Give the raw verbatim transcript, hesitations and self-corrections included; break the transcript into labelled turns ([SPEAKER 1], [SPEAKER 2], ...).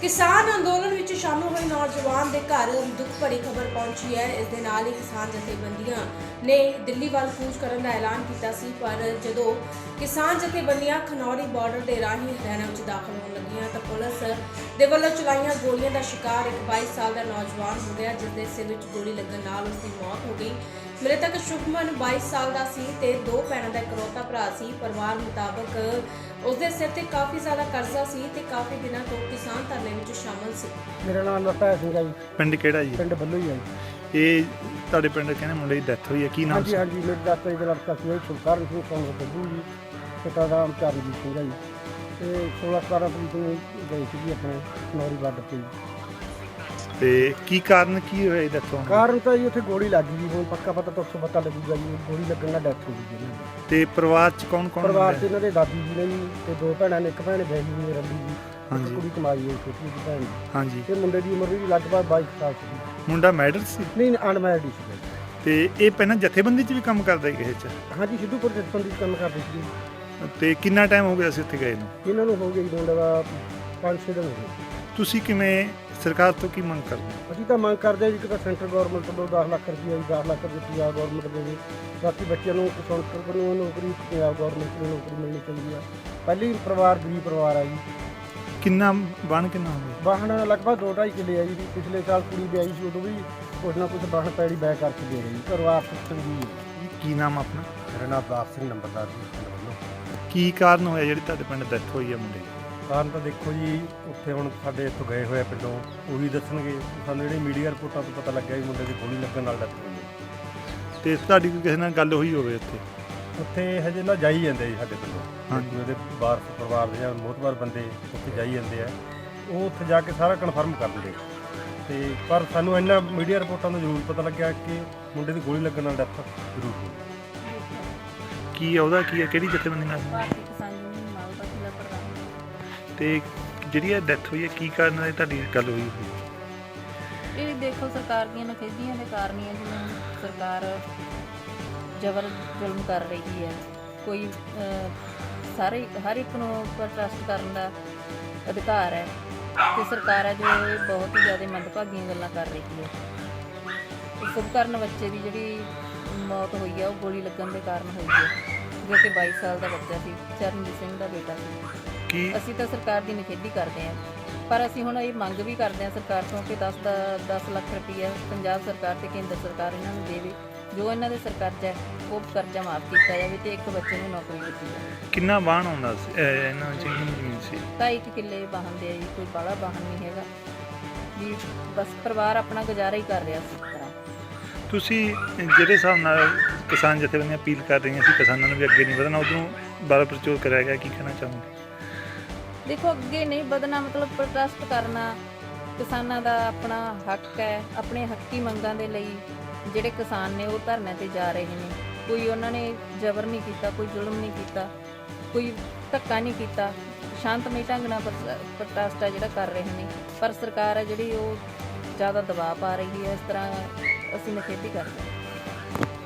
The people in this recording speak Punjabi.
[SPEAKER 1] किसान अंदोलन विच शामिल हुए नौजवान के घर दुख भरी खबर पहुंची है। इस दे नाल ही किसान जथेबंदियां ने दिल्ली वाल कूच करने का ऐलान किया सी, पर जदों किसान जथेबंदियां खनौरी बॉर्डर के राही हरियाणा में दाखिल होने लगियां तो पुलिस दे वल्लों चलाईयां गोलियां का शिकार एक बाईस साल का नौजवान हो गया, जिसके सिर में गोली लगन नाल उसकी मौत हो गई। मृतक शुभमन बाईस साल का सी ते दो भैणों का इकलौता भरा सी। परिवार मुताबक उसके सिर ते काफ़ी ज़्यादा कर्जा सी ते काफ़ी दिनों तो किसान धरने में शामिल सी।
[SPEAKER 2] मेरा नाम लता है सिंह जी।
[SPEAKER 3] पिंड किहड़ा जी?
[SPEAKER 2] पिंड बल्लू ही है जी।
[SPEAKER 3] ਇਹ ਤੁਹਾਡੇ ਪਿੰਡ ਕਹਿੰਦੇ ਮੁੰਡੇ ਦੀ ਡੈਥ ਹੋਈ ਹੈ, ਕੀ
[SPEAKER 2] हाँ
[SPEAKER 3] ਨਾਮ
[SPEAKER 2] जी
[SPEAKER 3] ਸੀ?
[SPEAKER 2] हाँ जी, मेरे दाता जी का लड़का सी सुलकार सिंह कौन बल्लू जी, पिता का नाम चरणजीत सिंह है जी। तो सोलह सतारह तरीक ਨੂੰ ਗਏ ਸੀ ਜੀ ਆਪਣੇ ਖਨੌਰੀ ਬਾਰਡਰ ਤੇ ਜੀ।
[SPEAKER 3] ਤੇ ਕੀ ਕਾਰਨ ਕੀ ਹੋਇਆ ਇਹ ਦੱਸੋ?
[SPEAKER 2] ਕਾਰਨ ਤਾਂ ਜੀ ਉੱਥੇ ਗੋਲੀ ਲੱਗ ਗਈ ਜੀ, ਹੁਣ ਪੱਕਾ ਪਤਾ ਤਾਂ ਉੱਥੋਂ ਪਤਾ ਲੱਗੂਗਾ ਜੀ। ਗੋਲੀ ਲੱਗਣ ਨਾਲ ਡੈਥ ਹੋ ਗਈ ਜੀ ਇਹਨਾਂ ਦੀ।
[SPEAKER 3] ਤੇ ਪਰਿਵਾਰ ਚ ਕੌਣ ਕੌਣ
[SPEAKER 2] ਪਰਿਵਾਰ 'ਚ
[SPEAKER 3] ਹੁੰਦਾ ਹੈ?
[SPEAKER 2] ਇਹਨਾਂ ਦੇ ਦਾਦੀ ਜੀ ਨੇ ਜੀ ਤੇ ਦੋ ਭੈਣਾਂ ਨੇ, ਇੱਕ ਭੈਣ ਬੈਗੀ ਜੀ ਰੰਦੀ ਜੀ, ਇੱਕ
[SPEAKER 3] ਹਾਂਜੀ।
[SPEAKER 2] ਕੁੜੀ ਕਮਾਈ ਹੋਈ ਛੋਟੀ ਜਿਹੀ ਭੈਣ ਜੀ।
[SPEAKER 3] ਹਾਂਜੀ।
[SPEAKER 2] ਤੇ ਮੁੰਡੇ ਦੀ ਉਮਰ ਵੀ ਲਗਭਗ ਬਾਈ ਸਾਲ ਸੀ।
[SPEAKER 3] ਮੁੰਡਾ ਮੈਡਲ ਸੀ
[SPEAKER 2] ਨਹੀਂ ਅਨਮੈਰਿਡ ਸੀ ਜੀ।
[SPEAKER 3] ਤੇ ਇਹ ਪਹਿਲਾਂ ਜਥੇਬੰਦੀ ਚ ਵੀ ਕੰਮ ਕਰਦਾ ਸੀ ਕਿਸੇ ਚ?
[SPEAKER 2] ਹਾਂਜੀ, ਸਿੱਧੂਪੁਰ ਜਥੇਬੰਦੀ 'ਚ ਕੰਮ ਕਰਦੇ ਸੀ ਜੀ।
[SPEAKER 3] ਤੇ ਕਿੰਨਾ ਟਾਈਮ ਹੋ ਗਿਆ ਸੀ ਉੱਥੇ ਗਏ ਨੂੰ?
[SPEAKER 2] ਇਹਨਾਂ ਨੂੰ ਹੋ ਗਿਆ ਜੀ ਮੁੰਡਾ ਦਾ ਪੰਜ ਛੇ ਦਿਨ ਹੋ ਗਏ।
[SPEAKER 3] ਤੁਸੀਂ ਕਿਵੇਂ ਸਰਕਾਰ ਤੋਂ ਕੀ ਮੰਗ ਕਰਦੇ ਹੋ?
[SPEAKER 2] ਅਸੀਂ ਤਾਂ ਮੰਗ ਕਰਦੇ ਹਾਂ ਜੀ ਕਿ ਤਾਂ ਸੈਂਟਰ ਗਵਰਨਮੈਂਟ ਤੋਂ ਦਸ ਲੱਖ ਰੁਪਈਆ ਜੀ, ਦਸ ਲੱਖ ਰੁਪਏ ਪੰਜਾਬ ਗਵਰਨਮੈਂਟ ਦੇਵੇ। ਬਾਕੀ ਬੱਚਿਆਂ ਨੂੰ ਕਿਸਾਨ ਨੂੰ ਨੌਕਰੀ ਪੰਜਾਬ ਗਵਰਨਮੈਂਟ ਨੂੰ ਨੌਕਰੀ ਮਿਲਣੀ ਚਾਹੀਦੀ ਆ। ਪਹਿਲੀ ਪਰਿਵਾਰ ਗਰੀਬ ਪਰਿਵਾਰ ਆ ਜੀ।
[SPEAKER 3] ਕਿੰਨਾ ਬਣ ਕਿੰਨਾ ਹੋ ਗਿਆ?
[SPEAKER 2] ਵਾਹਣ ਲਗਭਗ ਦੋ ਢਾਈ ਕਿੱਲੇ ਆ ਜੀ। ਪਿਛਲੇ ਸਾਲ ਕੁੜੀ ਵਿਆਹੀ ਸੀ, ਉਦੋਂ ਵੀ ਕੁਛ ਨਾ ਕੁਛ ਵਾਹਣ ਪੈੜੀ ਬੈ ਕਰਕੇ ਦੇ ਰਹੀ। ਘਰੋਂ ਆਰਥਿਕ ਤੰਗੀ ਹੈ।
[SPEAKER 3] ਕੀ ਨਾਮ ਆਪਣਾ?
[SPEAKER 2] ਮੇਰਾ ਨਾਮ ਅਵਤਾਰ ਸਿੰਘ ਨੰਬਰਦਾਰ ਜੀ।
[SPEAKER 3] ਕੀ ਕਾਰਨ ਹੋਇਆ ਜਿਹੜੀ ਤੁਹਾਡੇ ਪਿੰਡ ਡੈਥ ਹੋਈ ਹੈ ਮੁੰਡੇ ਦੀ?
[SPEAKER 4] ਕਾਰਨ ਤਾਂ ਦੇਖੋ ਜੀ, ਉੱਥੇ ਹੁਣ ਸਾਡੇ ਇੱਥੋਂ ਗਏ ਹੋਏ ਆ ਪਿੰਡੋਂ, ਉਹ ਵੀ ਦੱਸਣਗੇ। ਸਾਨੂੰ ਜਿਹੜੀ ਮੀਡੀਆ ਰਿਪੋਰਟਾਂ ਤੋਂ ਪਤਾ ਲੱਗਿਆ ਵੀ ਮੁੰਡੇ ਦੀ ਗੋਲੀ ਲੱਗਣ ਨਾਲ ਡੈਥ ਹੋਈ ਹੈ।
[SPEAKER 3] ਤੇ ਤੁਹਾਡੀ ਕੋਈ ਕਿਸੇ ਨਾਲ ਗੱਲ ਹੋਈ ਹੋਵੇ ਉੱਥੇ?
[SPEAKER 4] ਉੱਥੇ ਹਜੇ ਨਾ ਜਾਈ ਜਾਂਦੇ ਜੀ ਸਾਡੇ ਪਿੰਡੋਂ।
[SPEAKER 3] ਹਾਂਜੀ।
[SPEAKER 4] ਉਹਦੇ ਵਾਰਸ ਪਰਿਵਾਰ ਦੇ ਜਾਂ ਮੋਹਤਬਾਰ ਬੰਦੇ ਉੱਥੇ ਜਾਈ ਜਾਂਦੇ ਆ, ਉਹ ਉੱਥੇ ਜਾ ਕੇ ਸਾਰਾ ਕਨਫਰਮ ਕਰ ਦਿੰਦੇ। ਤੇ ਪਰ ਸਾਨੂੰ ਇੰਨਾ ਮੀਡੀਆ ਰਿਪੋਰਟਾਂ ਤੋਂ ਜ਼ਰੂਰ ਪਤਾ ਲੱਗਿਆ ਕਿ ਮੁੰਡੇ ਦੀ ਗੋਲੀ ਲੱਗਣ ਨਾਲ ਡੈਥ ਜ਼ਰੂਰ ਹੋਈ।
[SPEAKER 3] ਕੀ ਉਹਦਾ ਕੀ ਹੈ, ਕਿਹੜੀ ਜਥੇਬੰਦੀ ਨਾਲ?
[SPEAKER 5] ਭਾਰਤੀ ਕਿਸਾਨ ਯੂਨੀਅਨ ਮਾਲਵਾ ਜ਼ਿਲ੍ਹਾ ਪ੍ਰਧਾਨ।
[SPEAKER 3] ਤੇ ਜਿਹੜੀ ਇਹ ਡੈਥ ਹੋਈ ਹੈ ਕੀ ਕਾਰਨ ਹੈ ਤੁਹਾਡੀ ਗੱਲ ਹੋਈ ਹੋਈ?
[SPEAKER 5] ਇਹ ਦੇਖੋ ਸਰਕਾਰ ਦੀਆਂ ਨਖੇਧੀਆਂ ਦੇ ਕਾਰਨ ਹੀ ਹੈ, ਜਿਵੇਂ ਸਰਕਾਰ ਜ਼ਬਰ ਜ਼ੁਲਮ ਕਰ ਰਹੀ ਹੈ। ਕੋਈ ਅਹ, ਸਾਰੇ ਹਰ ਇੱਕ ਨੂੰ ਪ੍ਰੋਟੈਸਟ ਕਰਨ ਦਾ ਅਧਿਕਾਰ ਹੈ, ਤੇ ਸਰਕਾਰ ਹੈ ਜੋ ਇਹ ਬਹੁਤ ਹੀ ਜ਼ਿਆਦਾ ਮੰਦਭਾਗੀਆਂ ਗੱਲਾਂ ਕਰ ਰਹੀ ਹੈ। ਸੁਭਕਰਨ ਬੱਚੇ ਦੀ ਜਿਹੜੀ ਮੌਤ ਹੋਈ ਹੈ ਉਹ ਗੋਲੀ ਲੱਗਣ ਦੇ ਕਾਰਨ ਹੋਈ ਹੈ, ਜੋ ਕਿ ਬਾਈ ਸਾਲ ਦਾ ਬੱਚਾ ਸੀ, ਚਰਨਜੀਤ ਸਿੰਘ ਦਾ ਬੇਟਾ ਸੀ।
[SPEAKER 3] ਕੀ
[SPEAKER 5] ਅਸੀਂ ਤਾਂ ਸਰਕਾਰ ਦੀ ਨਿਖੇਧੀ ਕਰਦੇ ਹਾਂ, ਪਰ ਅਸੀਂ ਹੁਣ ਇਹ ਮੰਗ ਵੀ ਕਰਦੇ ਹਾਂ ਸਰਕਾਰ ਤੋਂ ਕਿ ਦਸ ਦਾ ਦਸ ਲੱਖ ਰੁਪਈਆ ਪੰਜਾਬ ਸਰਕਾਰ ਤੇ ਕੇਂਦਰ ਸਰਕਾਰ ਇਹਨਾਂ ਨੂੰ ਦੇਵੇ। ਜੋ ਇਹਨਾਂ ਦੇ ਸਰ ਕਰਜ਼ਾ ਹੈ ਉਹ ਕਰਜ਼ਾ ਮਾਫ ਕੀਤਾ ਜਾਵੇ ਤੇ ਇੱਕ ਬੱਚੇ ਨੂੰ ਨੌਕਰੀ ਦਿੱਤੀ ਜਾਵੇ।
[SPEAKER 3] ਕਿੰਨਾ ਵਾਹਣ ਆਉਂਦਾ ਸੀ ਇਹ ਇਹਨਾਂ ਵਿੱਚ, ਕਿੰਨੀ ਜ਼ਮੀਨ ਸੀ?
[SPEAKER 5] ਤਾਂ ਇੱਕ ਕਿੱਲੇ ਵਾਹਨ ਦੇ ਆ ਜੀ, ਕੋਈ ਬਾਹਲਾ ਵਾਹਨ ਨਹੀਂ ਹੈਗਾ ਜੀ। ਬਸ ਪਰਿਵਾਰ ਆਪਣਾ ਗੁਜ਼ਾਰਾ ਹੀ ਕਰ ਰਿਹਾ ਸੀ ਇਸ ਤਰ੍ਹਾਂ।
[SPEAKER 3] ਤੁਸੀਂ ਜਿਹੜੇ ਹਿਸਾਬ ਨਾਲ ਕਿਸਾਨ ਜਥੇਬੰਦੀਆਂ ਅਪੀਲ ਕਰ ਰਹੀਆਂ ਸੀ ਕਿਸਾਨਾਂ ਨੂੰ ਵੀ ਅੱਗੇ ਨਹੀਂ ਵਧਣਾ, ਉਦੋਂ ਬਾਰਾ ਪ੍ਰਚੋਰ ਕਰਿਆ ਗਿਆ, ਕੀ ਕਹਿਣਾ ਚਾਹੋਗੇ?
[SPEAKER 5] ਦੇਖੋ, ਅੱਗੇ ਨਹੀਂ ਵਧਣਾ ਮਤਲਬ ਪ੍ਰੋਟੈਸਟ ਕਰਨਾ ਕਿਸਾਨਾਂ ਦਾ ਆਪਣਾ ਹੱਕ ਹੈ। ਆਪਣੇ ਹੱਕੀ ਮੰਗਾਂ ਦੇ ਲਈ ਜਿਹੜੇ ਕਿਸਾਨ ਨੇ ਉਹ ਧਰਨੇ ਤੇ ਜਾ ਰਹੇ ਨੇ। ਕੋਈ ਉਹਨਾਂ ਨੇ ਜ਼ਬਰ ਨਹੀਂ ਕੀਤਾ, ਕੋਈ ਜ਼ੁਲਮ ਨਹੀਂ ਕੀਤਾ, ਕੋਈ ਧੱਕਾ ਨਹੀਂ ਕੀਤਾ। ਸ਼ਾਂਤਮਈ ਢੰਗ ਨਾਲ ਪ੍ਰੋਟੈਸਟ ਹੈ ਜਿਹੜਾ ਕਰ ਰਹੇ ਨੇ, ਪਰ ਸਰਕਾਰ ਹੈ ਜਿਹੜੀ ਉਹ ਜ਼ਿਆਦਾ ਦਬਾਅ ਪਾ ਰਹੀ ਹੈ। ਇਸ ਤਰ੍ਹਾਂ ਅਸੀਂ ਨਿਖੇਧੀ ਕਰਦੇ ਹਾਂ।